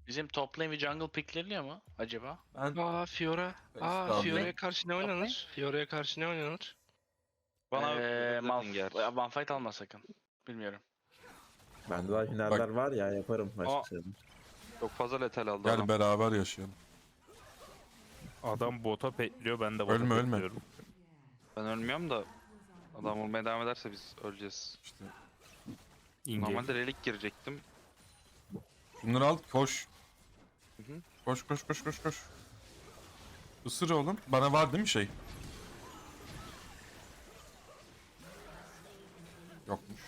Bizim top lane ve jungle pickleriliyor mu acaba? Ben Fiora. Estağfurullah. Fiora'ya karşı ne oynanır? Fiora'ya karşı ne oynanır? Bana Malphite alma sakın. Bilmiyorum. bende daha hünerler var ya, yaparım başka şeyler. çok fazla letal aldı Gel adam. beraber yaşayalım. Adam bota petliyor, ben de bota Ölme, ölme. petliyorum. Ben ölmüyorum da adam olmaya devam ederse biz öleceğiz. İşte İnge. Normalde relik girecektim. bunları al, koş. Hı hı. Koş koş koş koş koş. Isır oğlum. Bana var değil mi şey? Yokmuş.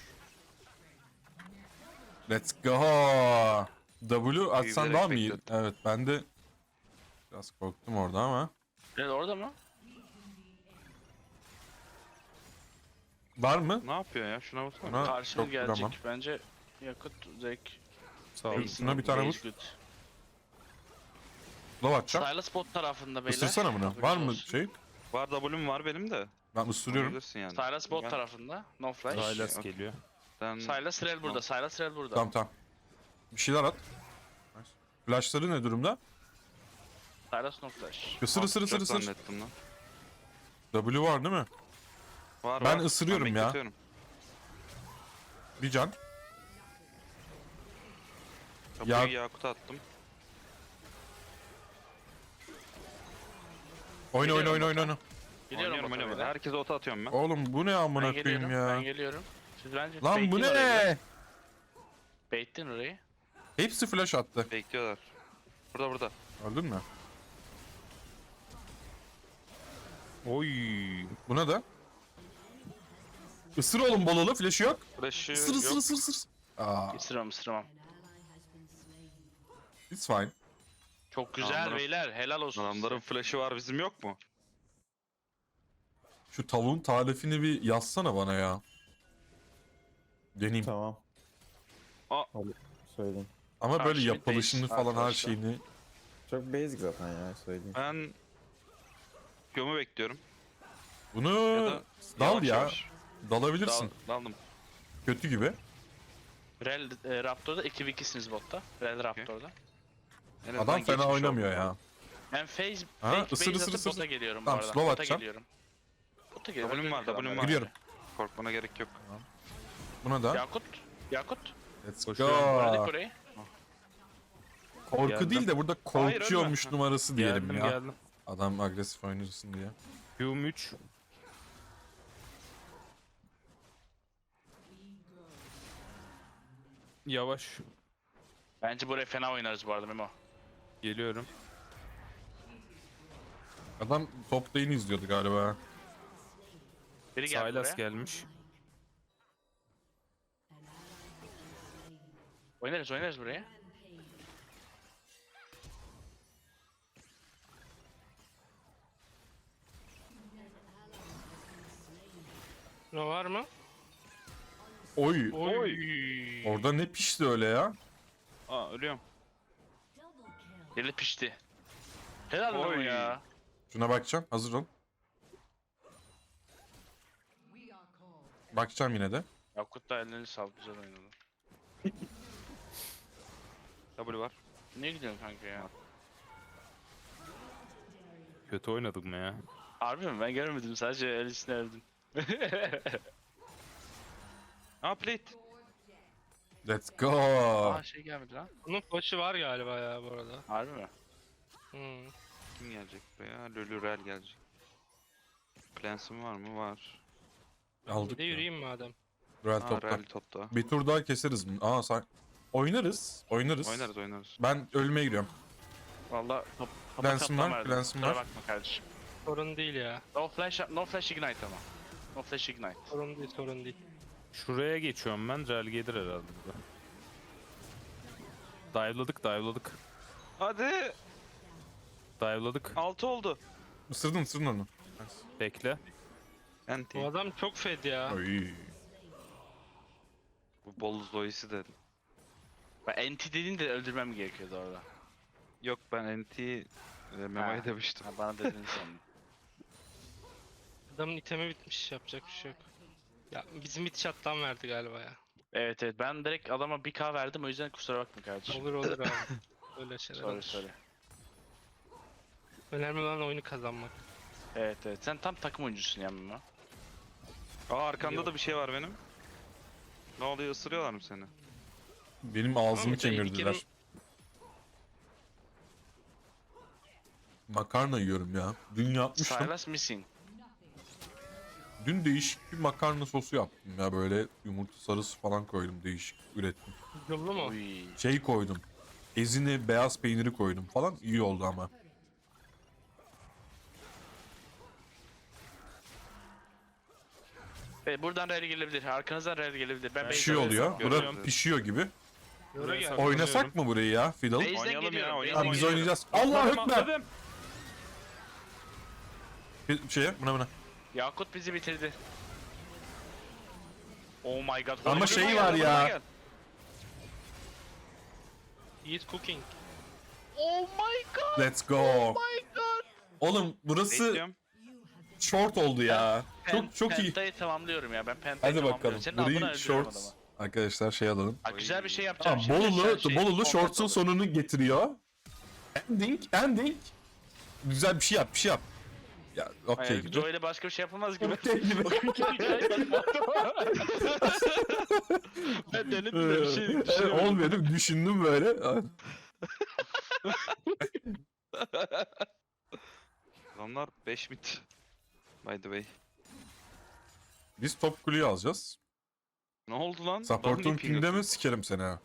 Let's go. W atsan Büyüyerek daha mı iyi? beklettim. Evet, ben de biraz korktum orada ama. Evet orada mı? Var mı? Ne yapıyor ya? Şuna baksana. Buna Karşıma çok gelecek. vuramam. Bence yakıt Zek. Sağ ol. Şuna bir tane vur. Low atacağım. Silas bot tarafında beyler. Isırsana bunu. Haberiniz Var mı olsun. şey? Var W'm var benim de. Ben ısırıyorum. Bilirsin yani. Silas bot Ben- tarafında. No flash. Silas Okey. geliyor. Ben Silas Rel burada. Silas Rel burada. Tamam tamam. Bir şeyler at. Nice. Flashları ne durumda? Silas no flash. Isır ısır ısır atacak ısır. zannettim lan. W var değil mi? Var, Ben var. ısırıyorum ya. bekletiyorum. Bir can. Kapıyı Ya- Yakut'a attım. Oyna oyna oyna oyna. oyna. Geliyorum Oynuyorum, bota oynuyorum. beyler. Herkese ota atıyorum ben. Oğlum bu ne amına Ben koyayım geliyorum. Ben ya. geliyorum. Siz bence Lan bu baitleyin orayı. ne? Baitleyin orayı. Hepsi flash attı. Bekliyorlar. Burada. Gördün mü? Oy. Buna da. Isır oğlum bolalı flash'ı yok. Flash'ı Isır ısır yok. ısır ısır. Aa, Isıramam. it's fine. Çok güzel Adamların- beyler. Helal olsun. Adamların size. flash'ı var, bizim yok mu? Şu tavuğun tarifini bir yazsana bana ya. Deneyeyim. Tamam. Aa. Hadi söyleyeyim. Ama böyle Karşılık yapılışını base falan her arkadaşlar. şeyini. Çok basic zaten ya, söyleyeyim. Ben Gömü bekliyorum. Bunu Ya da dal yavaş ya. yavaş. Dalabilirsin. Daldım. Kötü gibi. Rel Raptor'da 2v2'siniz botta. Rel Raptor'da. En azından Adam fena geçmiş oynamıyor oldu. ya. Ben phase Ha, fake ısır, base ısır, atıp ısır. bota geliyorum Tamam, bu arada. slow Bota atacağım. geliyorum. Bota geliyorum. W'm var, W'm var. Giriyorum. Korkmana gerek yok. Buna da. Yakut. Let's Koşuyorum. Bırak go. orayı. Korku Geldim. değil de burada Hayır, korkuyormuş ölme. numarası diyelim Geldim ya. geldim. Adam agresif oynasın diye. Q'm 3. Yavaş. Bence buraya fena oynarız bu arada Memo. Geliyorum. Adam top lane'i izliyordu galiba. Biri geldi Silas buraya. gelmiş. Oynarız buraya. Ne var mı? Oy. Oy. Orada ne pişti öyle ya? Aa, ölüyorum. Deli pişti. Helal Memo Oy. ya. Şuna bakacağım. Hazır ol. Bakacağım yine de. Yakut da ellerini sal, güzel oynadı. W var. Ne gidiyorsun kanka ya? Kötü oynadık mı ya? Harbi mi? Ben görmedim, sadece öylesine öldüm. Aa, plate. Let's go. Aa şey gelmedi lan. Bunun flash'ı var galiba ya bu arada. Harbi mi? Kim gelecek buraya? Lulurel gelecek. Clans'ım var mı? Var. Aldık Bir de ya. yürüyeyim madem. Real Aa, topta. Rel topta. Bir tur daha keseriz bunu. Aa sen... Oynarız. Oynarız. Oynarız. Ben ölmeye giriyorum. Valla Lens'im var, lens'im var. Bakma kardeşim. Sorun değil ya. No flash ignite ama. No flash ignite. Sorun değil. Şuraya geçiyorum ben. Rel gelir herhalde burada. Dive'ladık. Hadi. Dive'ladık. 6 oldu. Isırdın onu. Bekle. Anti. Bu adam çok fed ya. Oy. Bu bol Zoe'si de. Ben NT dediğin de öldürmem gerekiyordu orada. Yok, ben anti Memo'ya Ha. demiştim. Ha, bana dedin sandım. Adamın itemi bitmiş, yapacak bir şey yok. Ya bizim it shot'tan verdi galiba ya. Evet ben direkt adama 1k verdim, o yüzden kusura bakma kardeşim. Olur abi. Öyle şeyler Sorry olur. sorry. Önemli olan oyunu kazanmak. Evet evet. Sen tam takım oyuncusun ya Memo. Aa arkanda da bir şey var benim. Ne oluyor, ısırıyorlar mı seni? Benim ağzımı Ama ilk kemirdiler. yerim- Makarna yiyorum ya. Dün yapmıştım. Silas missing. Dün değişik bir makarna sosu yaptım ya, böyle yumurta sarısı falan koydum, değişik ürettim. Yıllı mu? Uy. Şey koydum. Ezine beyaz peyniri koydum falan, iyi oldu ama. Buradan rally gelebilir. Arkanızdan rally gelebilir. Ben Ben Bir base'den şey oluyor. Görüyorum. Bura pişiyor gibi. Yoru gel. Oynasak mı burayı ya Fiddle? Base'den Oynayalım ya, geliyorum. oynayalım. Tamam, biz geliyorum. oynayacağız. Allah hükmer. Atladım. Bir şeye buna. Yakut bizi bitirdi. Oh my god. Ama Holy şey Gel, var bana ya. gel. Eat cooking. Oh my god. Let's go. My god. Oğlum burası Bekliyorum. short oldu ya. Çok iyi. Pentayı tamamlıyorum ya. Ben pentayı Hadi tamamlıyorum. bakalım. Senin adına Burayı öldürüyorum short. adamı. Arkadaşlar şey alalım. Bak güzel bir şey yapacağım Tamam, şimdi. Bolulu, Sen şey, Bolulu content shorts'un olur. sonunu getiriyor. Ending. Güzel bir şey yap, Ya okey Hayır, gibi. Joe ile başka bir şey yapılmaz gibi. Okey gibi. Ben denedim de bir şey düşünemedim. Olmuyor değil mi? Düşündüm böyle. Adamlar 5 mit. By the way. Biz top kuleyi alacağız. Ne oldu lan? Support'un Bana niye ping pingde mi sikerim seni ha.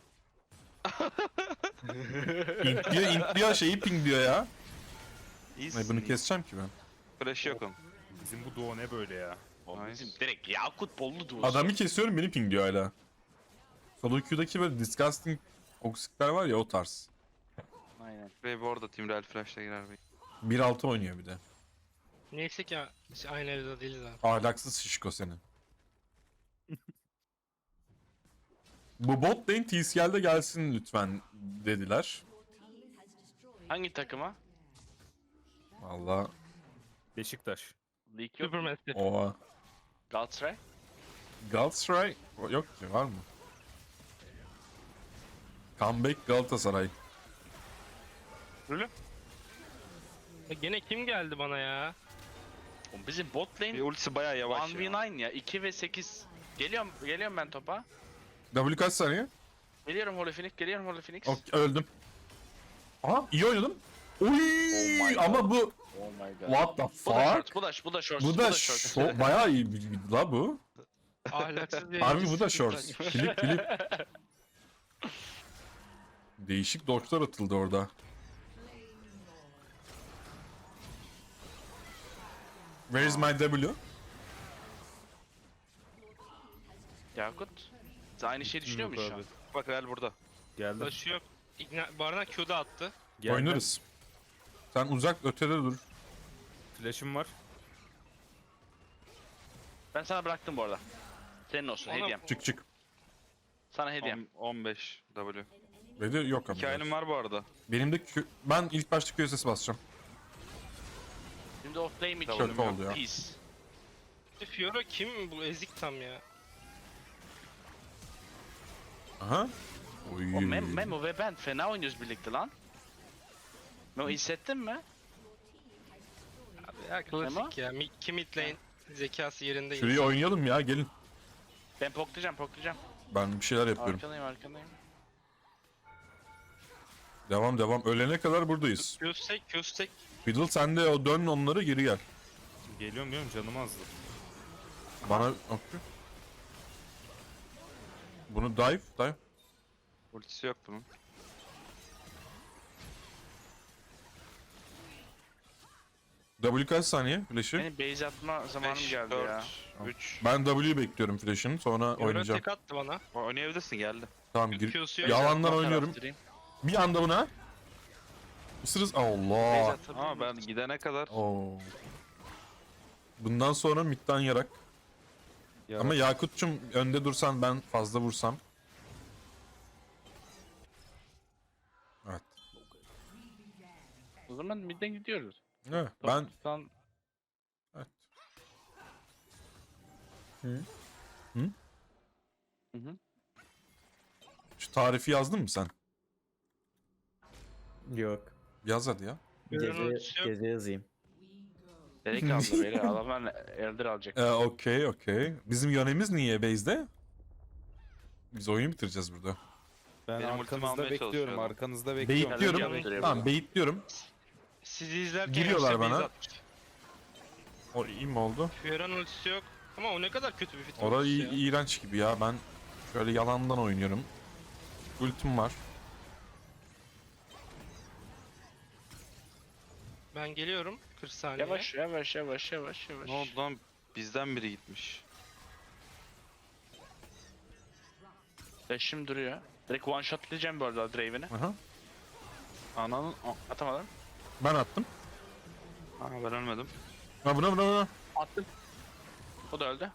İntliyor şeyi pingliyor ya. İyisin, Ay, bunu iyisin. keseceğim ki ben. Flash yok onun. Bizim bu duo ne böyle ya? Oğlum Nice. bizim direkt Yakut Bollu duosu. Adamı kesiyorum, beni pingliyor hala. Solo Q'daki böyle disgusting oksikler var ya, o tarz. Aynen. Ve bu arada Team Real Flash'la girer bey. 1.6 oynuyor bir de. Neyse ki aynı evde değiliz abi. Ahlaksız şişko senin. Bu bot lane TCL'de gelsin lütfen dediler. Hangi takıma? Valla Beşiktaş. League yok. Supermassive. oha. Galatasaray. Galatasaray yok ki, var mı? Comeback Galatasaray. Gene kim geldi bana ya? Oğlum bizim bot Bir lane ultisi bayağı yavaş ya. 1v9 ya. 2 ve 8. Geliyorum ben topa. W kaç saniye? Geliyorum Holy Phoenix. Geliyorum Holy Phoenix. Ok, öldüm. Aha, iyi oynadım. Oy, my God. ama bu Oh my god. what the Bu da fuck? short. Bu da short. Bu da bayağı iyi bir la bu. Ahlaksız bir Harbi bu da herif. short. Klip. Değişik dodge'lar atıldı orada. Where is my W? Yakut. Sen aynı şeyi düşünüyor musun şu an? Bak Real burada. Geldi. Başı yok. Barına Q'da attı. Geldi. Oynarız. Sen uzak ötede dur. Flash'ım var. Ben sana bıraktım bu arada. Senin olsun Oğlum, hediyem. Çık. Sana hediyem. 15 W. Ve yok ama. Hikayenim var bu arada. Benim de ben ilk başta QSS basacağım. Şimdi offlane için. Kötü oldu ya. Peace. Fiora kim bu ezik tam ya? Aha. Oy. O Memo ve ben fena oynuyoruz birlikte lan. Memo hissettin mi? Abi ya klasik ya. Kim mid lane zekası yerinde. Şurayı oynayalım ya, gelin. Ben poklayacağım. Ben bir şeyler yapıyorum. Arkandayım. Devam. Ölene kadar buradayız. Köstek. Fiddle sen de o dön onları, geri gel. Geliyorum canım azdı. Bana okey. Bunu dive. Ultisi yok bunun. W kaç saniye flash'ı? Benim base atma zamanım 5, geldi 4, ya. 3. Ben W'yu bekliyorum flash'ın, sonra Fiora oynayacağım. tek attı bana. Oynayabilirsin, geldi. Tamam, Q'su yok. yalandan Base atma oynuyorum. taraftarıyım. Bir anda buna. Isırız. Base Allah. atabilir Ama miyim? ben gidene kadar Oo. Bundan sonra midden yarak. Ama Yakut'cum önde dursan, ben fazla vursam. Evet. O zaman midden gidiyoruz. Evet, ben Toptan evet. Hı hı. Şu tarifi yazdın mı sen? Yok. Yaz hadi ya. Gece yazayım. Nereye kaldı beyler? Adamlar Elder alacak. Okey. Bizim yönemiz niye base'de? Biz oyunu bitireceğiz burada. Ben Benim ultimi arkanızda almaya bekliyorum. çalışıyorum. Arkanızda bekliyorum. Baitliyorum. yaptırıyor Tamam burada. baitliyorum. Sizi izlerken Giriyorlar yoksa bana. base atmış. O iyi mi oldu? Fiora'nın ultisi yok. Ama o ne kadar kötü bir fit Orada ultisi ya. iğrenç gibi ya. Ben şöyle yalandan oynuyorum. Ultim var. Ben geliyorum 40 saniye. Yavaş. Ne oldu lan? Bizden biri gitmiş. Flash'im duruyor. Direkt one shot diyeceğim bu arada Draven'i. Aha. Ananın... Atamadım. Ben attım. Aa, ben ölmedim. Ha buna. Attım. O da öldü.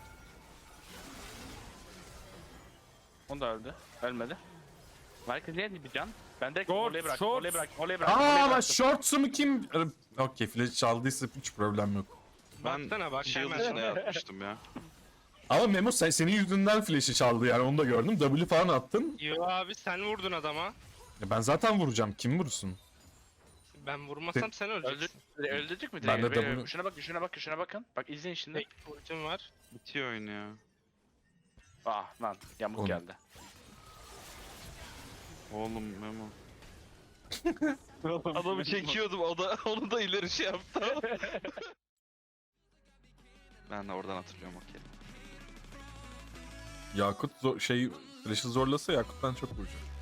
O da öldü. Ölmedi. Merkez niye bir can? Ben direkt Short, oraya bırak. short. Oraya bırak. Aa ama shorts'umu kim? Okey flash çaldıysa hiç problem yok. Ben Baksana bak shield hemen. içine yatmıştım ya. Ama Memo senin yüzünden flash'i çaldı yani onu da gördüm. W falan attın. Yo abi sen vurdun adama. Ben zaten vuracağım. Kim vursun? Ben vurmasam sen öleceksin. Öldürdük mü Ben de Draven'i? W- Şuna bakın. Bak izleyin şimdi. Tek ultim var. Bitiyor oyun ya. Ah lan yamuk Oğlum. geldi. Oğlum Memo. Adamı çekiyordum, onu da ileri şey yaptı. Ben de oradan hatırlıyorum okey. Yakut flash'ı zorlasa Yakut'tan çok vuracak.